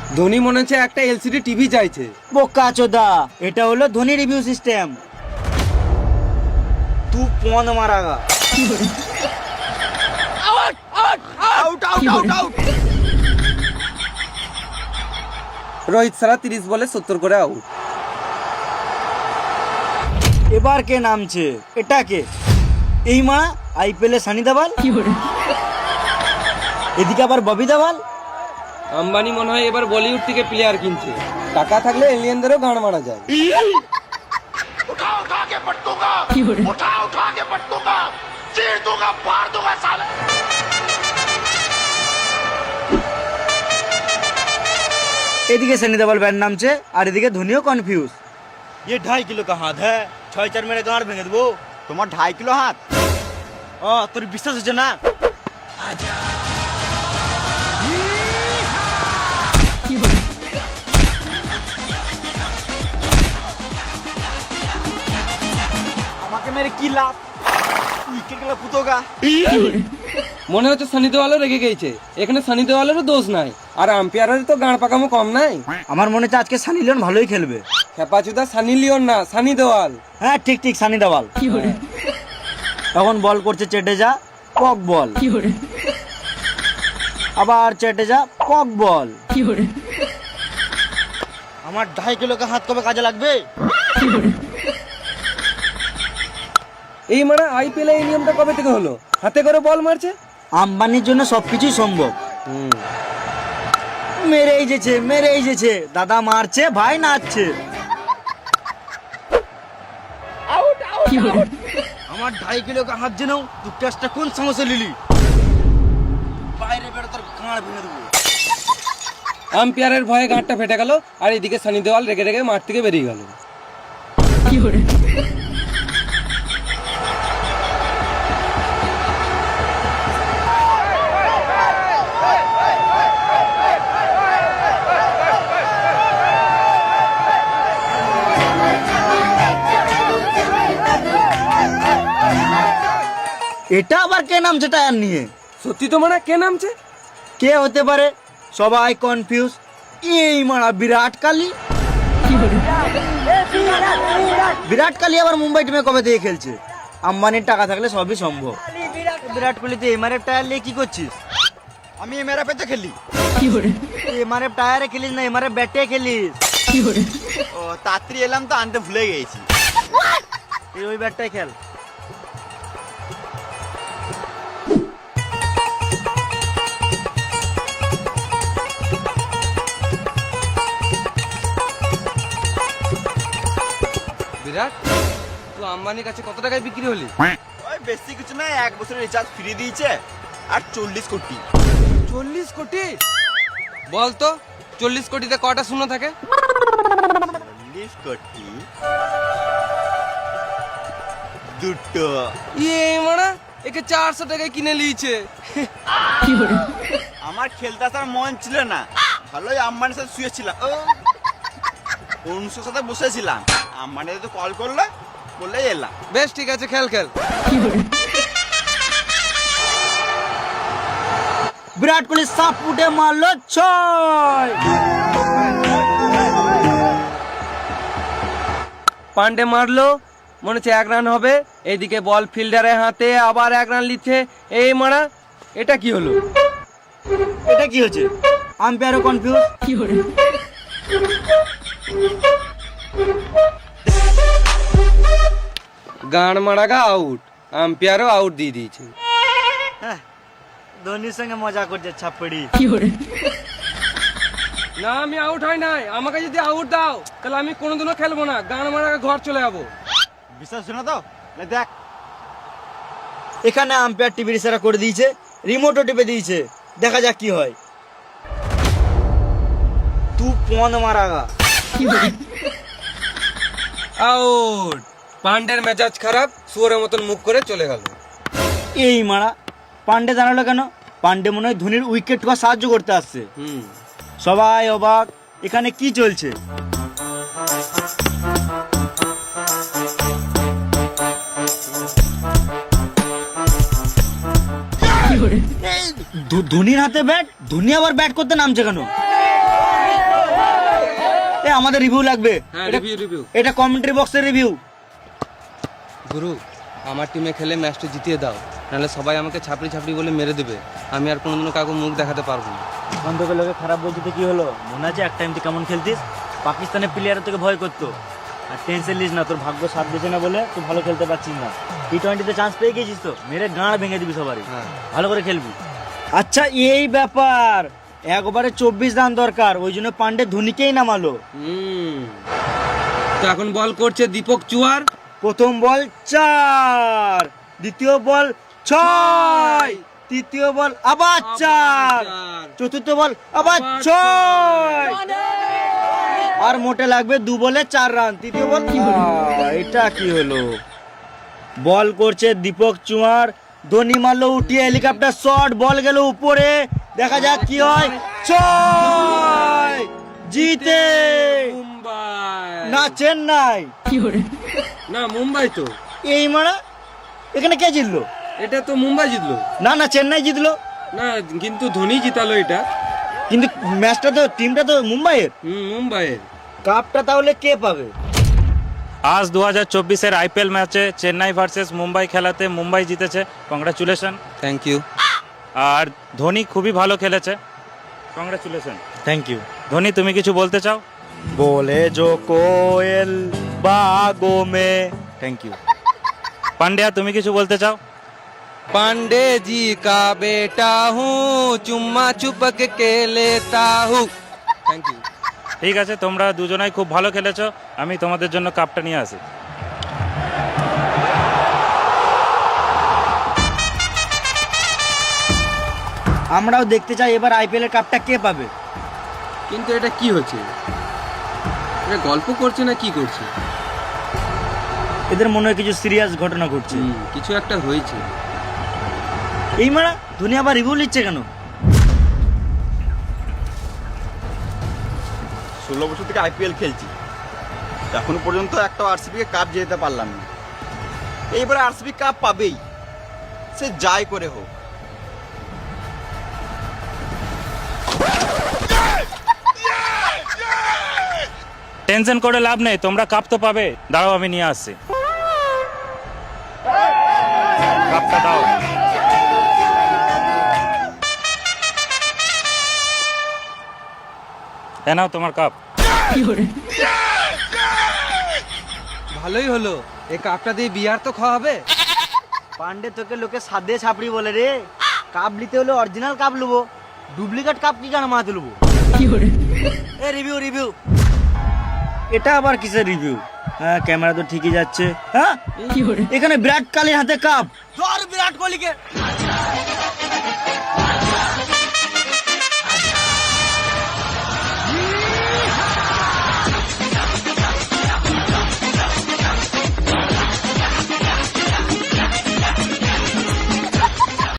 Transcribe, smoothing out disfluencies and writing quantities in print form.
ধোনি মনে হচ্ছে একটা এলসিডি টিভি চাইছে। বোকা চোদা, এটা হলো ধোনি রিভিউ সিস্টেম। তু পন মারাগা। রোহিত সারা 30 বলে 70 করে আউট। এবার কে নামছে? এটা কে? এই মা আইপিএল এ সানি দেওয়াল, এদিকে আবার ববি দেওয়াল। আম্বানি মনে হয় এবার বলিউড থেকে প্লেয়ার কিনছে। টাকা থাকলে এলিয়েনদেরও গান মারা যায়। এদিকে সানি দেওয়াল ব্যাট নামছে আর এদিকে ধোনিও কনফিউজ। ये 2.5 किलो का हाथ है, 6-4 मेरे गांड भेंगे देबो। তোমার 2.5 কিলো হাত? তোর বিশ্বাস হচ্ছে না? আমাকে মেরে কি লাভ? উইকেট গেল পুতোগা। মনে হচ্ছে সানি দেওয়ালও রেগে গেছে। এখানে সানি দেওয়ালেরও দোষ নাই, আর আম্পায়ারের তো গান পাকামো কম নাই। আমার মনে হচ্ছে আজকে সানি লিওন ভালোই খেলবে। খেপাচুদা সানি লিওন না, সানি দেওয়াল। হ্যাঁ ঠিক ঠিক, সানি দেওয়াল। তখন বল করছে চেটেজা, কক বল। আবার চেটেজা, কক বল। আমার 2.5 কিলো কা হাত কবে কাজে লাগবে? এই মানে আইপিএল এই নিয়মটা কবে থেকে হলো? হাতে করে বল মারছে। আম্বানির জন্য সবকিছুই সম্ভব। মেরেই যেছে দাদা, মারছে ভাই নাচছে। আমার 2.5 কিলো কা হাত জেনেও তুই টেস্টটা কোন সমস্যা লিলি? বাইরে বেরো, তোর গাঁড় ভেঙে দেবো। আম্পায়ারের ভয়ে গাঁটটা ফেটে গেল, আর এদিকে সানি দেওয়াল রেগে রেগে মাঠ থেকে বেরিয়ে গেল। এটা আবার কে নামছে টায়ার নিয়ে? সত্যি তো মানে কে নামছে? কে হতে পারে? সবাই কনফিউজ। এই মারা বিরাট কোহলি। বিরাট কোহলি আবার মুম্বাই টিমে কবে থেকে খেলছে? আম্বানির টাকা থাকলে সবই সম্ভব। বিরাট কোহলি তুই এমআরএফ টায়ার নিয়ে কি করছিস? আমি এমআরএফ তো খেলি। এমআরএফ টায়ারে খেলিস না, এমআরএফ ব্যাটে খেলিস। ও তাড়াতাড়ি এলাম তো, আনতে ভুলে গেছি। এই ওই ব্যাটটাই খেল। বিরাট, তুই আম্বানির কাছে কত টাকায় বিক্রি হলি? ওই বেশি কিছু না, 1 বছরের রিচার্জ ফ্রি দিয়েছে আর 40 কোটি। 40 কোটি? বল তো 40 কোটিতে কটা শূন্য থাকে? 40 কোটি দুটো। ইয়ে মানে একে 400 টাকায় কিনে লিয়েছে। আমার খেলতে আসার মন ছিল না, ভালোই আম্বানির সাথে শুয়েছিলাম। অনুষ্ঠের সাথে বসেছিলাম, আম্বানি তো কল করলো, বললে এলাম। বেশ ঠিক আছে, খেল খেল। বিরাট কোহলি সাপ উঠে মারলো 6। পান্ডে মারলো, মনে হচ্ছে 1 রান হবে। এইদিকে বল ফিল্ডারের হাতে, আবার 1 রান লিচ্ছে। এই মারা, এটা কি হলো? এটা কি হচ্ছে? আম্পায়ারও কনফিউজ। গান মারাগা আউট, আম্পায়ারও আউট দিয়ে দিয়েছে। ধোনির সঙ্গে মজা করছে ছাপড়ি। না, আমি আউট হয় নাই। আমাকে যদি আউট দাও তাহলে আমি কোনোদিনও খেলবো না। গান মারাগা ঘর চলে যাবো। বিশ্বাস শোনা তো, দেখ এখানে আম্পায়ার টিভির ইশারা করে দিয়েছে, রিমোটও টিপে দিয়েছে। দেখা যাক কি হয়। তুই পন মারাগা। আউট। পান্ডের মেজাজ খারাপ, শুয়োরের মতন মুখ করে চলে গেল। এই মারা, পান্ডে জানালো কেন? পান্ডে মনে হয় ধোনির উইকেট ঠোকা সাহায্য করতে আসছে। সবাই অবাক, এখানে কি চলছে? ধোনির হাতে ব্যাট, ধোনি আবার ব্যাট করতে নামছে কেন? এ আমাদের রিভিউ লাগবে। হ্যাঁ, এটা- রিভিউ। এটা কমেন্ট্রি বক্সের রিভিউ। গুরু, আমার টিমে খেলে ম্যাচটা জিতিয়ে দাও, নাহলে সবাই আমাকে ছাপড়ি ছাপড়ি বলে মেরে দেবে। আমি আর কোনোদিনও কাউকে মুখ দেখাতে পারবো না। এখন তোকে লোকে খারাপ বলতে তো কি হলো? মনে আছে এক টাইম তুই কেমন খেলতিস? পাকিস্তানের প্লেয়ার তোকে ভয় করতো। আর টেনশন নিস না, তোর ভাগ্য সাথ দিচ্ছে না বলে তুই ভালো খেলতে পারছিস না। টি-20তে চান্স পেয়ে গেছিস তো, মেরে গাঁড় ভেঙে দিবি সবারই। হ্যাঁ। ভালো করে খেলবি। আচ্ছা, এই ব্যাপার। একবারে 24 রান দরকার, ওই জন্য পান্ডে ধোনিকেই নামালো। তো এখন বল করছে দীপক চুয়ার। প্রথম বল 4, দ্বিতীয় বল 6, তৃতীয় বল আবার 4, চতুর্থ বল আবার 6, আর মোটে লাগবে 2 বলে 4 রান। তৃতীয় বল এটা কি হলো? বল করছে দীপক চুয়ার, ধোনি মারলো উঠিয়ে হেলিকপ্টার শট, বল গেল উপরে, দেখা যাক কি হয়। 6 জিতে মুম্বাই না চেন্নাই। না, মুম্বাই তো। এই মারা, এখানে কে জিতলো? এটা তো মুম্বাই জিতলো। না না, চেন্নাই জিতলো। না, কিন্তু ধোনি জিতালো এটা। কিন্তু ম্যাচটা তো, টিমটা তো মুম্বাইয়ের। মুম্বাইয়ের। কাপটা তাহলে কে পাবে? আজ 2024-এর আইপিএল ম্যাচে চেন্নাই ভার্সেস মুম্বাই খেলাতে মুম্বাই জিতেছে। কংগ্রাচুলেশন। Thank you. আর ধোনি খুবই ভালো খেলেছে। কংগ্রাচুলেশন। Thank you. ধোনি, তুমি কিছু বলতে চাও? बोले जो कोयल बागों में। Thank you. পান্ডিয়া, তুমি কিছু বলতে চাও? पांडे जी का बेटा हूँ, चुम्मा चुपक के लेता हूँ। Thank you. ঠিক আছে, তোমরা দুজনাই খুব ভালো খেলেছো। আমি তোমাদের জন্য কাপটা নিয়ে আসি। আমরাও দেখতে চাই এবার আইপিএল এর কাপটা কে পাবে। কিন্তু এটা কি হচ্ছে? এটা গল্প করছে না কি করছে? এদের মনে হয় কিছু সিরিয়াস ঘটনা ঘটছে। কিছু একটা হয়েছে। এই মারা, ধোনি আবার রিভিউ নিচ্ছে কেন? 16 বছর থেকে আইপিএল খেলছি, এখনো পর্যন্ত একটা আরসিবি কে কাপ জেতাতে পারলাম না। এইবার আরসিবি কাপ পাবেই, সে যাই করে হোক। টেনশন করে লাভ নেই, তোমরা কাপ তো পাবে। দাঁড়াও, আমি নিয়ে আসছি। কাপটা দাও। এ নাও তোমার কাপ। ভালোই হলো, এই কাপটা দিয়ে বিয়ার তো খাওয়া হবে। পান্ডে, তোকে লোকে সাদে ছাপড়ি বলে রে। কাপ নিতে হলে অরিজিনাল কাপ লুবো, ডুপ্লিকেট কাপ কি কেন মাথাতে লুবো? এ রিভিউ রিভিউ, এটা আবার কিসের রিভিউ? হ্যাঁ, ক্যামেরা তো ঠিকই যাচ্ছে। হ্যাঁ, এখানে বিরাট কোহলির হাতে কাপ। ধর বিরাট কোহলিকে।